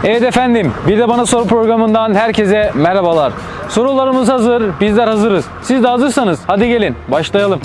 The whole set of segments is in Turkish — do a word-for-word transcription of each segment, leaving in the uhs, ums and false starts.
Evet efendim, bir de Bana Sor programından herkese merhabalar. Sorularımız hazır, bizler hazırız. Siz de hazırsanız hadi gelin başlayalım.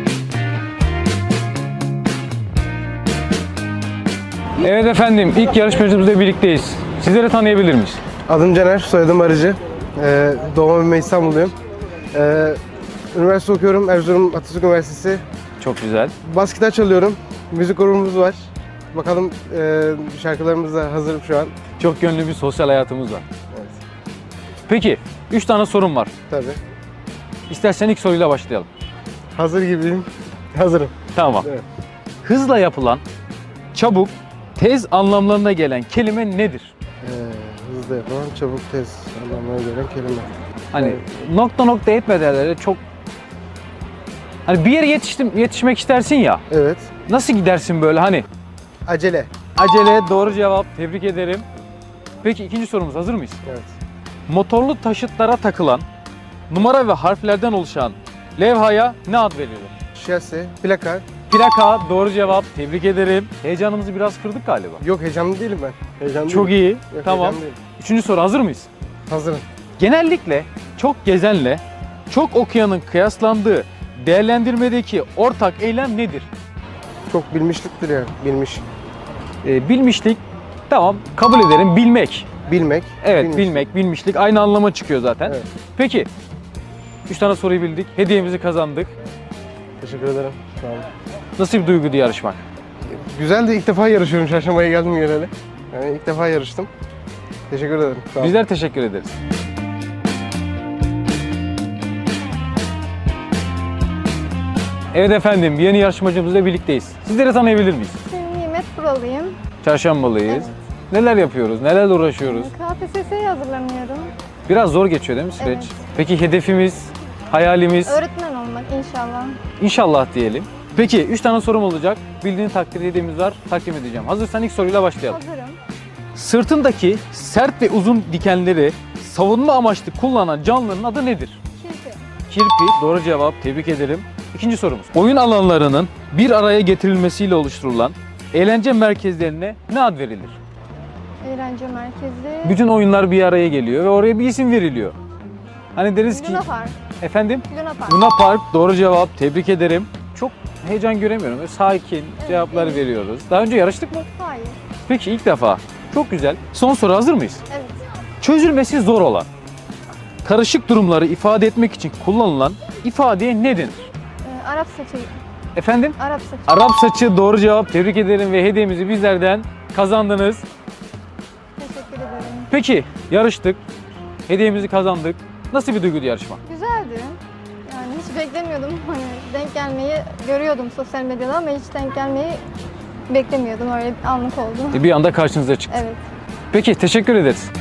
Evet efendim, ilk yarışmacımızla birlikteyiz. Sizleri tanıyabilir miyiz? Adım Caner, soyadım Arıcı. Ee, doğma büyüme İstanbulluyum. Ee, üniversite okuyorum, Erzurum Atatürk Üniversitesi. Çok güzel. Bas gitar çalıyorum, müzik grubumuz var. Bakalım e, şarkılarımız da hazır şu an. Çok gönlü bir sosyal hayatımız var. Evet. Peki, üç tane sorum var. Tabii. İstersen ilk soruyla başlayalım. Hazır gibiyim. Hazırım. Tamam. Evet. Hızla yapılan, çabuk, tez anlamlarına gelen kelime nedir? Ee, hızlı yapılan, çabuk, tez anlamına gelen kelime. Hani nokta nokta etmeden çok... Hani bir yere yetiştim, yetişmek istersin ya, Evet. nasıl gidersin böyle hani? Acele. Acele, doğru cevap. Tebrik ederim. Peki ikinci sorumuz, hazır mıyız? Evet. Motorlu taşıtlara takılan, numara ve harflerden oluşan levhaya ne ad veriyorlar? Şase, plaka. Plaka, doğru cevap. Tebrik ederim. Heyecanımızı biraz kırdık galiba. Yok, heyecanlı değilim ben. Heyecanlı Çok değilim. iyi. Yok, Tamam. heyecanlı değilim. Üçüncü soru, hazır mıyız? Hazırım. Genellikle çok gezenle çok okuyanın kıyaslandığı değerlendirmedeki ortak eylem nedir? Çok bilmişliktir yani. Bilmiş. Ee, bilmişlik, tamam, kabul ederim. Bilmek. Bilmek. Evet, bilmişlik. bilmek, bilmişlik aynı anlama çıkıyor zaten. Evet. Peki, üç tane soruyu bildik. Hediyemizi kazandık. Teşekkür ederim. Sağ olun. Nasıl bir duyguydu yarışmak? Güzel de ilk defa yarışıyorum. Çarşambaya geldim geleli. Yani ilk defa yarıştım. Teşekkür ederim. Sağ olun. Bizler teşekkür ederiz. Evet efendim, yeni yarışmacımızla birlikteyiz. Sizleri tanıyabilir miyiz? Ben Nimet Buralıyım. Çarşambalıyız. Evet. Neler yapıyoruz, nelerle uğraşıyoruz? K P S S'ye hazırlanıyorum. Biraz zor geçiyor değil mi süreç? Evet. Peki hedefimiz, hayalimiz? Öğretmen olmak inşallah. İnşallah diyelim. Peki üç tane sorum olacak. Bildiğin takdir hediyemiz var. Takdim edeceğim. Hazırsan ilk soruyla başlayalım. Hazırım. Sırtındaki sert ve uzun dikenleri savunma amaçlı kullanan canlının adı nedir? Kirpi. Kirpi, doğru cevap. Tebrik ederim. İkinci sorumuz. Oyun alanlarının bir araya getirilmesiyle oluşturulan eğlence merkezlerine ne ad verilir? Eğlence merkezi. Bütün oyunlar bir araya geliyor ve oraya bir isim veriliyor. Hani deriz ki... Luna Park. Efendim? Luna Park. Luna Park, doğru cevap. Tebrik ederim. Çok heyecan göremiyorum. Böyle sakin cevaplar evet. veriyoruz. Daha önce yarıştık mı? Hayır. Peki ilk defa. Çok güzel. Son soru, hazır mıyız? Evet. Çözülmesi zor olan, karışık durumları ifade etmek için kullanılan ifadeye ne denir? Ee, Arap saçı. Efendim? Arap saçı. Arap saçı, doğru cevap. Tebrik ederim ve hediyemizi bizlerden kazandınız. Teşekkür ederim. Peki yarıştık. Hediyemizi kazandık. Nasıl bir duyguydu yarışma? Güzeldi. Yani hiç beklemiyordum. Hani denk gelmeyi görüyordum sosyal medyada ama hiç denk gelmeyi beklemiyordum. Öyle bir anlık oldu. E, Bir anda karşınıza çıktı. Evet. Peki teşekkür ederiz.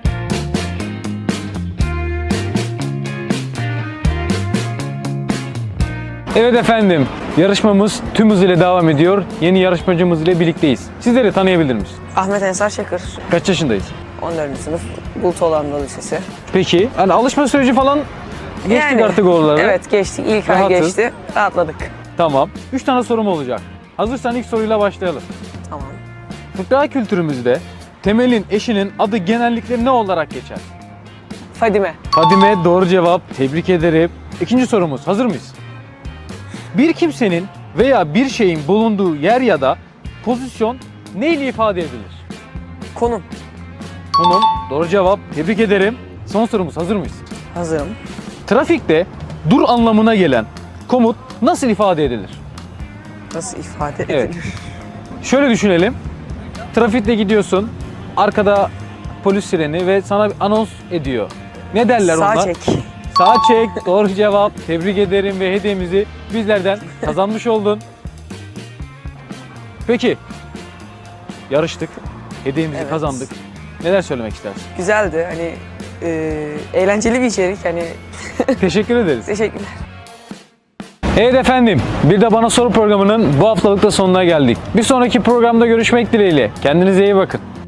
Evet efendim, yarışmamız tüm hızıyla devam ediyor. Yeni yarışmacımız ile birlikteyiz. Sizleri tanıyabilir miyiz? Ahmet Ensar Çakır, Kaç yaşındayız? on dördüncü sınıf, Bulutoğlu Lisesi. Peki, hani alışma süreci falan geçtik Yani, artık oraları. Evet geçtik, ilk ay Rahatız. geçti, rahatladık. Tamam. Üç tane sorum olacak. Hazırsan ilk soruyla başlayalım. Tamam. Fıkra kültürümüzde Temel'in eşinin adı genellikle ne olarak geçer? Fadime, Fadime, doğru cevap. Tebrik ederim. İkinci sorumuz, hazır mıyız? Bir kimsenin veya bir şeyin bulunduğu yer ya da pozisyon ne ile ifade edilir? konum, Konum, doğru cevap. Tebrik ederim. Son sorumuz, hazır mıyız? hazırım. Trafikte dur anlamına gelen komut nasıl ifade edilir? Nasıl ifade edilir? Evet. Şöyle düşünelim. Trafikte gidiyorsun. Arkada polis sireni ve sana bir anons ediyor. Ne derler Sağ onlar? çek. Sağ çek. Doğru cevap. Tebrik ederim ve hediyemizi bizlerden kazanmış oldun. Peki. Yarıştık. Hediyemizi Evet. kazandık. Neler söylemek istersin? Güzeldi, hani e, eğlenceli bir içerik, hani Teşekkür ederiz. teşekkürler. Evet efendim, bir de Bana Sor programının bu haftalık da sonuna geldik. Bir sonraki programda görüşmek dileğiyle. Kendinize iyi bakın.